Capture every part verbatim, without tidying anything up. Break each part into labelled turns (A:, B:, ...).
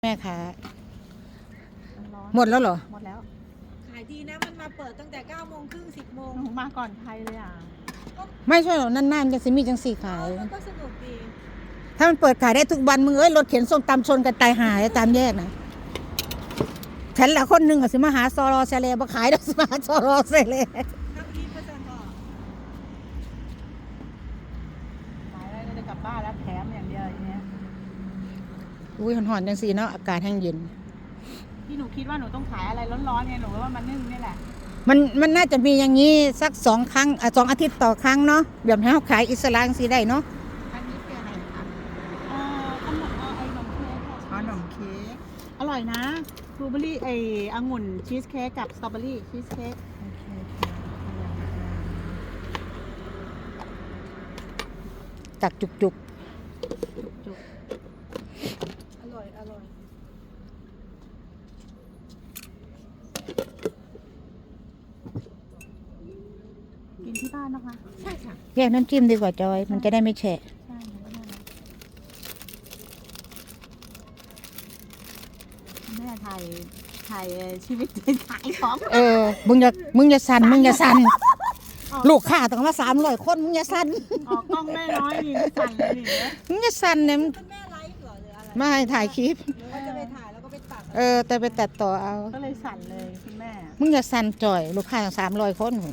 A: แม่ค้าหมดแล้วเหรอ
B: หมดแล้ว
C: ขายดีนะมันมาเปิดตั้งแต่เก้าโมงครึ่งสิบโมง
B: หนูมาก่อนใครเลยอ่ะ
A: ไม่ใช่หรอกนานๆจะสิมีจังสี่ขาย
C: มันก็สนุกดี
A: ถ้ามันเปิดขายได้ทุกวันมึงเอ้ยรถเข็นส้มตำชนกันตายหายตามแยกนะฉันละคนหนึ่งอะสิมาหาซอรอเซเลมาขายได้สิมาหาซอรอเซเล
C: นักรีเปอร์เซ็นต์ต่อ
B: ขายได้ก็จะกลับบ้านแล้วแถมอย่างเดียวอย่างเงี้ย
A: อุ้ยหอนๆจังสี่เนาะอากาศแห้งเย็น
B: ที่หนูคิดว่าหนูต้องขายอะไรร้อนๆไงหนูว่ามันนึ่งนี่แหละ
A: มันมันน่าจะมีอย่างนี้สักสองครั้งอ่ะสองอาทิตย์ต่อครั้งเนาะแบบให้เขาขายอิสลามสิได้เนาะ
B: อันนี้คืออะไรคะเอ่อขนมเอ่อไอ้ขนมเค้กขนมเค้กอร่อยนะบลูเบอร์รี่ไอ้องุ่นชีสเค้กกับสตรอเบอรี่ชีสเค้ก
A: ตักจุกจุก
B: จุก
C: อร่อยอร่อย
B: กินที่บ้านนะคะ
C: ใช่ค่ะ
A: แยกน้ำจิ้มดีกว่าจอยมันจะได้ไม่แฉะ
B: ใช่แม่ถ่ายถ่ายชีวิตขายของ
A: เออมึงอย่ามึงอย่าสั่นมึงอย่าสั่นลูกค้าต้องมาสามร้อยคนมึงอย่าสั่น
B: ออกกล้องแม่น้อยนี่ไม่สั่นเลยนี่
A: มึงอย่าสั่นเนี่ย
C: เป็นแม่ไลฟ์เหรอหรืออะไร
A: ไม่ถ่ายคลิป
C: หรือว่าจะไปถ่ายแล้วก็ไปตัด
A: เออแต่ไปตัดต่อเอา
B: ก็เลยสั่นเลยคุณแม่
A: มึงอย่าสั่นจ่อยลูกค้าสามร้อยคนหนู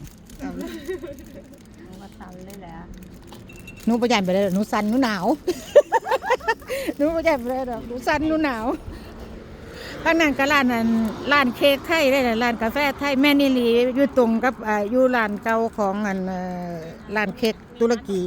B: มาสั่นเลยแหละ
A: หนูประหยัดไปเลยหนูสั่นหนูหนาวหนูประหยัดไปเลยหนูสั่นหนูหนาวข้างนั้นก็ร้านนั้นร้านเค้กไทยได้เลยร้านกาแฟไทยแม่นิลีอยู่ตรงกับอ่าอยู่ร้านเก่าของอันร้านเค้กตุรกี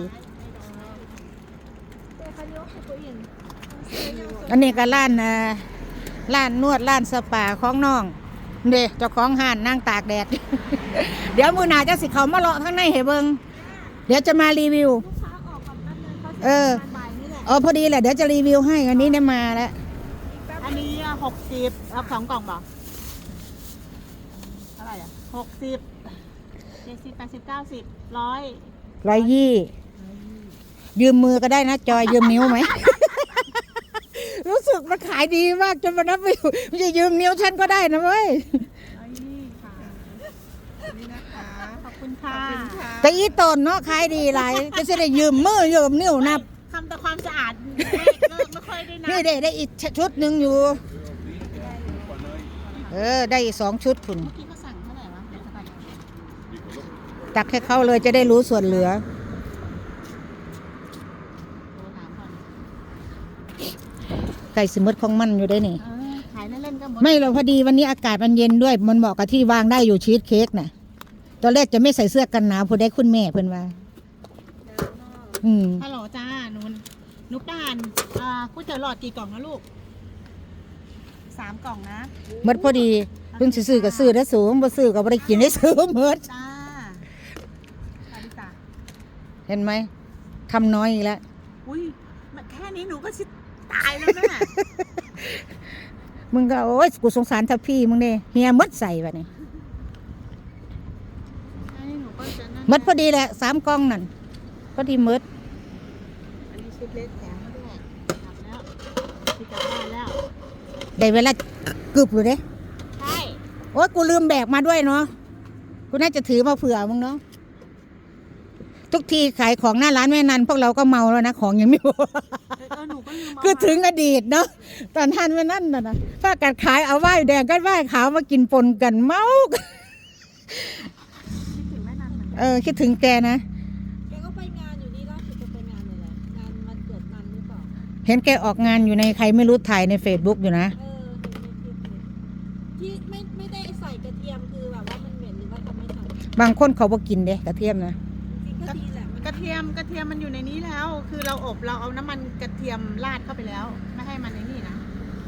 A: อันนี้ก็ร้านอ่าร้านนวดร้านสปาของน้องเด้เจ้าของห้านนั่งตากแดด เดี๋ยวมือหนาจะสิเขามาเลาะข้างในให้เบิ่งเดี๋ยวจะมารีวิวเออเออพอดีแหละเดี๋ยวจะรีวิวให้อันนี้เนี่ยมาแล้ว
B: อันนี้หกสิบรับสองกล่องป่ะเท่าไหร่อ่ะหกสิบเจ็ดสิบแปดสิบเก้าสิบร้อย
A: ร้อยยี่ยืมมือก็ได้นะจอยยืมนิ้วไหม รู้สึกมันขายดีมากจนมันนับไม่อยู่ไม่ใช่ยืมนิ้วฉันก็ได้นะเว้ย
B: ร้อยยี่ค่ะนี่นะคะขอบคุณค่ะ
A: แต่อีตนเนาะขายดีหลายจะได้ยืมมือยืมนิ้วนับ
B: ทำแต่ความสะอาดไม่ค่อยได้นะ
A: นี่ได้ได้อีกชุดหนึ่งอยู่เออได้อีกสองชุดคุณ
B: เมื่อกี้เขาสั่งเท่าไหร่วะ
A: ตักให้เขาเลยจะได้รู้ส่วนเหลือไก่สมมติของมันอยู่ได้นี่
B: ขายเล่นๆก็หมด
A: ไม่เราพอดีวันนี้อากาศมันเย็นด้วยมันเหมาะกับที่วางได้อยู่ชีสเค้กน่ะตอนแรกจะไม่ใส่เสื้อกันหนาวพอได้คุณแม่เพิ่นว่าอืม
B: ฮัลโหลจ้าหนูหนูป่านอ่าก๋วยเตี๋ยวหลอดกี่กล่องนะลูกสามกล่องนะ
A: หมดพอดีเพิ่งซื้อกับซื้อได้สูงบ่ซื้อกับบ่ได้กินได้ซื้อหมด
B: จ้าสวัสดีจ้า
A: เห็นไหมทำน้อยอีกแล้ว
B: อุ้ยแค่นี้หนูก็ชิตายแล้วแม่
A: มึงก็โอ๊ยกูสงสารทัพพี่มึงเนี่ยเฮียมดใส่แบบนี้มดพอดีแหละสามกล่องนั่นพอดีมด
B: อันนี้ชุดเล็กแถมมาด้วยกลับแล้วที่กลับบ้านแล้ว
A: ได้เวลาเกือบเลยเด้
B: ใช่
A: โอ๊ยกูลืมแบกมาด้วยเนาะกูน่าจะถือมาเผื่อมึงเนาะทุกทีขายของหน้าร้านแม่นันพวกเราก็เมาแล้วนะของยังไม่หมดคือถึงอดีตเนาะตอนท่านแม่นั่นน่ะนะป้ากัดขายเอาไหว้แดงก็ไหว้ขาวมากินปนกันเมาเออคิดถึงแกนะ
C: แกก็ไปงานอยู่นี่ล่าสุดจะไปงานอะไรงานวันเกิดมันหรือเปล่า
A: เห็นแกออกงานอยู่ในใครไม่รู้ถ่ายในเฟซบุ๊กอยู่นะ
C: เออที่ไม่ไม่ได้ใส่กระเทียมคือแบบว่ามันเหม็นหรือว่าจะไม่ใส่
A: บางคนเขาบอกกินเด้กระเทียมนะ
B: กระเทียมกระเทียมมันอยู่ในนี้แล้วคือเราอบเราเอาน้ำมันกระเทียมราดเข้าไปแล้วไม่ให้มันในนี่นะ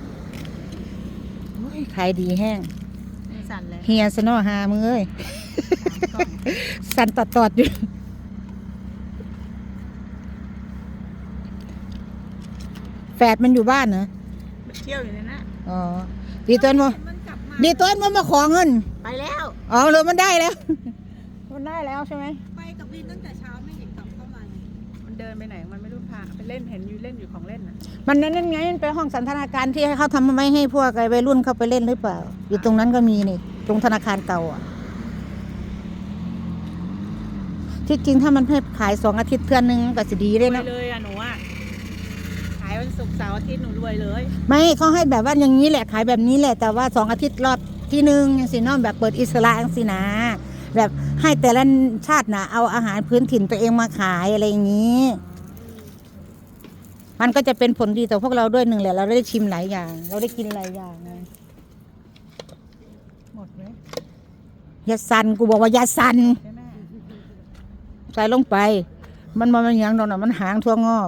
A: ขายดีแห้ง
B: สั่นเลย
A: เฮียสนอหามือเอ้ยสั่นตอดตอดอยู่แฝดมันอยู่บ้านเหรอ
B: เที่ยวอยู่ในนั้น
A: อ๋อดีตัวมั้ดีตัวมันมาขอเงิน
B: ไปแล้ว
A: อ๋อเลยมันได้แล้วมันได้แล้วใช่ไหม
C: ไปกับวินตั้งแต่เช้าไม่เห็นกลับเข้ามา
B: มันเดินไปไหนมันไม่รู้พาไปเล่นเห็นอยู่เล่นอยู่ของเล่นน่ะ
A: มันนั่นไงมันไปห้องสันทนาการที่ให้เขาทำไว้ให้พวกไอ้วัยรุ่นเข้าไปเล่นหรือเปล่า อยู่ตรงนั้นก็มีนี่ ตรงธนาคารเก่าอ่ะ ที่จริงถ้ามันให้ขายสองอาทิตย์เทื่อนึงก็จะดี
B: ร
A: เลย
B: วย
A: นะ
B: เลยอ่ะหนูอ่ะขายวันศุกร์เสาร์อาทิตย์หนูรวยเลย
A: ไม่เขาให้แบบว่าอย่างนี้แหละขายแบบนี้แหละ แต่ว่าสองอาทิตย์รอบที่หนึ่งอย่างสิเน้องแบบเปิดอิสระอย่างสินะแบบให้แต่ละชาตินะเอาอาหารพื้นถิ่นตัวเองมาขายอะไรอย่างนี้ มันก็จะเป็นผลดีต่อพวกเราด้วยหนึ่งแหละเราได้ชิมหลายอย่าง เราได้กินหลายอย่างไง
B: หมดไหม
A: ยาสันกูบอกว่ายาสัน
B: ใช่ไหม
A: ใส่ลงไป มันมันมันหยังดอกนะมันหางทั่วงอก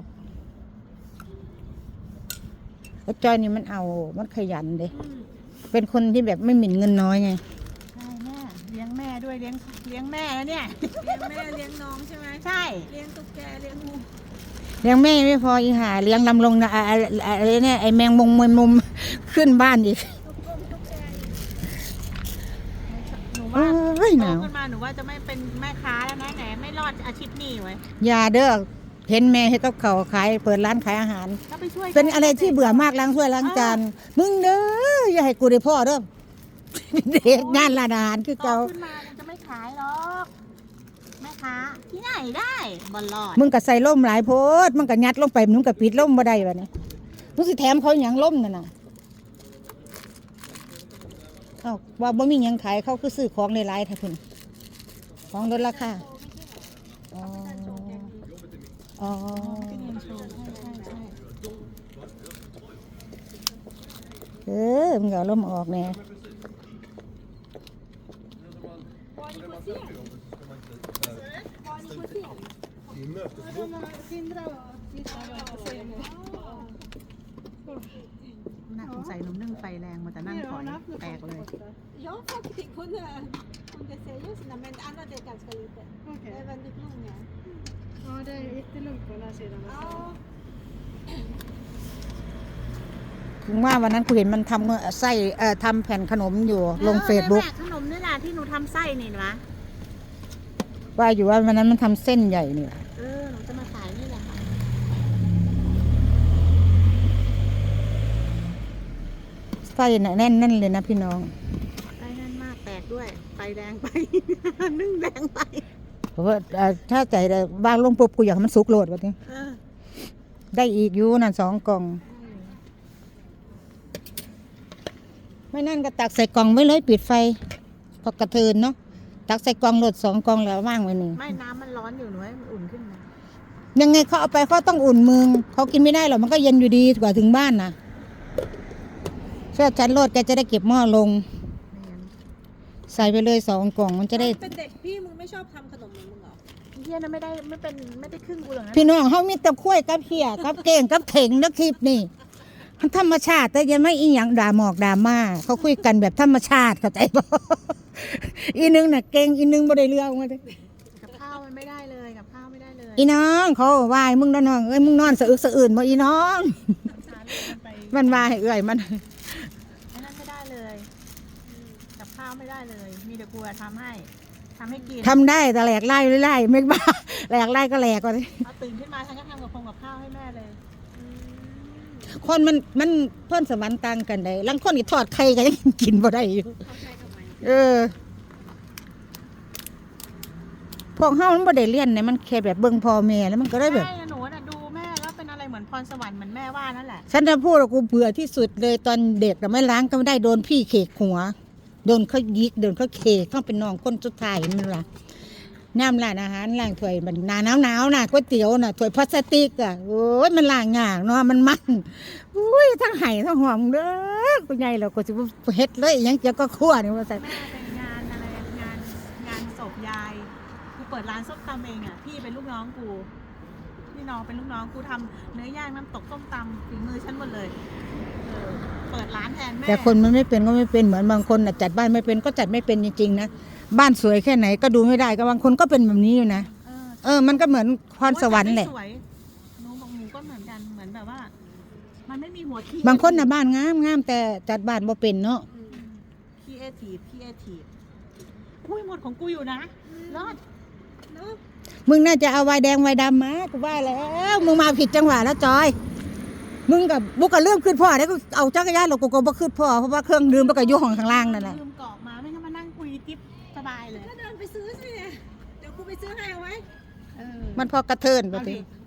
A: ไอ้จอยนี่มันเอา มันขยันเด้เป็นคนที่แบบไม่หมิ่นเงินน้อยไง
B: ใช่แม่เลี้ยงแม่ด้วยเลี้ยงเลี้ยงแม่นะเนี่ย
C: เลี้ยงแม่เลี้ยงน้องใช่ไหม
B: ใช่
C: เลี้ยงตุ๊กแกเลี้ยงงู
A: เลี้ยงแม่ไม่พออีหาเลี้ยงลำลงนะอะไรอะไรเนี่ยไอแมงมุมมุมมุมขึ้นบ้านอีก
C: ตุ๊กกงตุ๊กแกอีก
B: หนู
A: โอ้
B: ว่าย
A: ห
B: โต
A: นาว
B: ขึ้นมาหนูว่าจะไม่เป็นแม่ค้าแล้วนะไหนไม่รอดอาชีพนี้ไว้ย
A: อยาเด้อเห็นแม่ให้กับเขาวขายเปิดร้านขายอาหาร
B: ก็ไปช่วย
A: เป็นอะไรที่เบื่อมากล้างถ้วยล้างจานมึงเด้ออย่าให้กูได้พ่อเด้อ เด็กงานร้านอาหารคือ
B: โต
A: เก่า
B: ขึ้นมามันจะไม่ขายหรอกแม่ค้าที่ไหนได้บอลลอด
A: มึงก็ใส่ล่มหลายโพดมึงก็ยัดลงไปมึงก็ปิดล่มบ่ได้วะเนี่ยมึงสิแถมเขาหยังล่มนั่นน่ะเอ้าว่าบ่มีหยังขายเขาคือซื้อของในไลน์ท่าพุ่นของลดราคาอ๋ออ๋อ
B: ที่เรียนโชว์ใช่ใช่ใช่
A: เออมึงก็เอาล่มออกแน่
C: Var ni på scen? Var ni på scen? Sindra och Sindra var på scen.
B: น่าสงสัยหนุ่มนึ่งไฟแรงมาแต่นั่งถอยแตกเลย
C: Jag har faktiskt kunnat under seriösa men annat är ganska lite. Det är väldigt långa.
D: Ja, det är jättelugnt på den här sidan.
C: Ja.
A: ถึงว่าวันนั้นกูเห็นมันทำไส้เอ่อทำแผ่นขนมอยู่ลงเฟซบุ๊ก
B: ออนั่นแหละขนมนี่แหละที่หนูทำไส้นี่นะ
A: ว่าอยู่ว่าวันนั้นมันทำเส้นใหญ่นี่
B: เออหนูจะมาขายนี่แหละค่ะ
A: ไส้น่ะแน่นนั่นเลยนะพี่น้อง
B: ไส้แน่นมากแตกด้วยไฟแดงไป นึ่งแดงไป
A: เพราะว่าเอ่อถ้าใจได้วางลงปุ๊บกูอยากให้มันสุกโลดวะเนี่ย
B: เออ
A: ได้อีกอยู่นั่นสองกล่อง ไม่นั่นก็ตักใส่กล่องไว้เลยปิดไฟพอกระเทินเนาะตักใส่กล่องโหลดสองกล่องแล้วว่างไว้หนึ่ง
B: ไม่น้ำมันร้อนอยู่หนูให้มันอุ่นขึ้นนะ
A: ยังไงเขาเอาไปเขาต้องอุ่นมือเขากินไม่ได้หรอกมันก็เย็นอยู่ดีกว่าถึงบ้านนะเชื่อฉันโลดแกจะได้เก็บหม้อลง
B: ไม่งั้น
A: ใส่ไปเลยสองกล่องมันจะได้
C: เป็นเด็กพี่มึงไม่ชอบทำขนมเหมือนมึงเหรอ
B: เฮียน่ะไม่ได้ไม่เป็นไม่ได้ครึ่งกูหรอกนะ
A: พี่น้องเขามีแต่คุ้ยกับเขียกับเก่งกับเข่งนะคลิปนี่มันธรรมชาติแต่ยังไม่อีหยังด่าหมอกด่ามาเขาคุยกันแบบธรรมชาติเข้าใจบ่ อีนึงน่ะเก่งอีนึงบ่ได้เรื่องมาเลย
B: กับข้าวมันไม่ได้เลยกับข้าวไม่ได้เลย
A: อีน้องเขาว่าให้มึงนอนน้องเอ้ยมึงนอนสะอึกสะอื่นบ่อีน้อง
B: สารมันไป
A: มันว่าให้เอื้อยมัน
B: ไอ้นั่นไม่ได้เลยอืมกับข้าวไม่ได้เลย มีแต่กูอะทำให้ทำให้กิน
A: ทำได้แต่แหลกไล่ไล่ไม่บ้า แหลกไล่ก็แหลกก่อน
B: เอาตื่นขึ้นมาฉันก็ทำกับพงกับข้าวให้แม่เลย
A: คนมันมันเพิ่นสวรรค์ต่างกันได้ลังคนนี่ทอดไข่ก็ยังกินบ่ได้อยู่
C: เขาใช้กับมัน
A: เออพวกเฮามันบ่ได้เรียนเนี่ยมันแค่แบบเบิ่งพ่อแม่แล้วมันก็ได้แบบ
B: ใช่หนูน่ะดูแม่แล้วเป็นอะไรเหมือนพรสวรรค์เหมือนแม่ว่านั่นแหละ
A: ฉันจะพูดว่ากูเบื่อที่สุดเลยตอนเด็กแต่ไม่ล้างก็ไม่ได้โดนพี่เขกหัว โดนเขายิกโดนเขาเขกเขาเป็นน้องคนสุดท้ายมันล่ะน้ำร้านอาหารล้างถ้วยมันหนาหนาวหนาวๆน่ะก๋วยเตี๋ยวน่ะถ้วยพลาสติกอ่ะโอ้ยมันล้างยากเนาะมันมันอุ้ยทั้งไห้ทั้งหอมเด้อกูใหญ่แล้วกูสิบ่เฮ็ดเลยอิหยังเกี่ยวกับครัวนี่ว่าซั่น
B: แม่เป็นงานอะไรงานงานศพยายกูเปิดร้านส้มตำเองอ่ะพี่เป็นลูกน้องกูพี่น้องเป็นลูกน้องกูทำเนื้อย่างน้ำตกส้มตำฝีมือฉันหมดเลยเออเปิดร้านแทนแม่
A: แต่คนมันไม่เป็นก็ไม่เป็นเหมือนบางคนน่ะจัดบ้านไม่เป็นก็จัดไม่เป็นจริงๆนะบ้านสวยแค่ไหนก็ดูไม่ได้ก็บางคนก็เป็นแบบนี้อยู่นะ
B: เออ
A: เออมันก็เหมือนพรสวรรค์แหละ
B: สวยหนูบอกหนูก็เหมือนกันเหมือนแบบว่า มันไม่มีหัวคิด
A: บางคนน่ะบ้านงามงามแต่จัดบ้านบ่เป็นเนาะ
B: คีเอทีฟคีเอทีฟอุ้ยหมดของกูอยู่นะรอด
C: เนาะ
A: มึงน่าจะเอาไวน์แดงไวน์ดำมากูว่าแล้วมึงมาผิดจังหวะแล้วจอย มึงกับบุกกับเรื่องขึ้นพ่อได้ก็เอาจักรยานหรอกกูก็บ่ขึ้นพ่อเพราะว่าเครื่องดื่มมันก็อยู่ห้องข้างล่างนั่นแหละ
B: ลืมกรอกมาไม่งั้นมานั่งคุยจิ๊บสบายเลย
C: ก็เดินไปซื้อสิเดี๋ยวกูไปซื้อให้เอาไว้
B: เออ
A: มันพอกระเทินไป
B: เอา
A: ถึ
B: ดิ
A: ง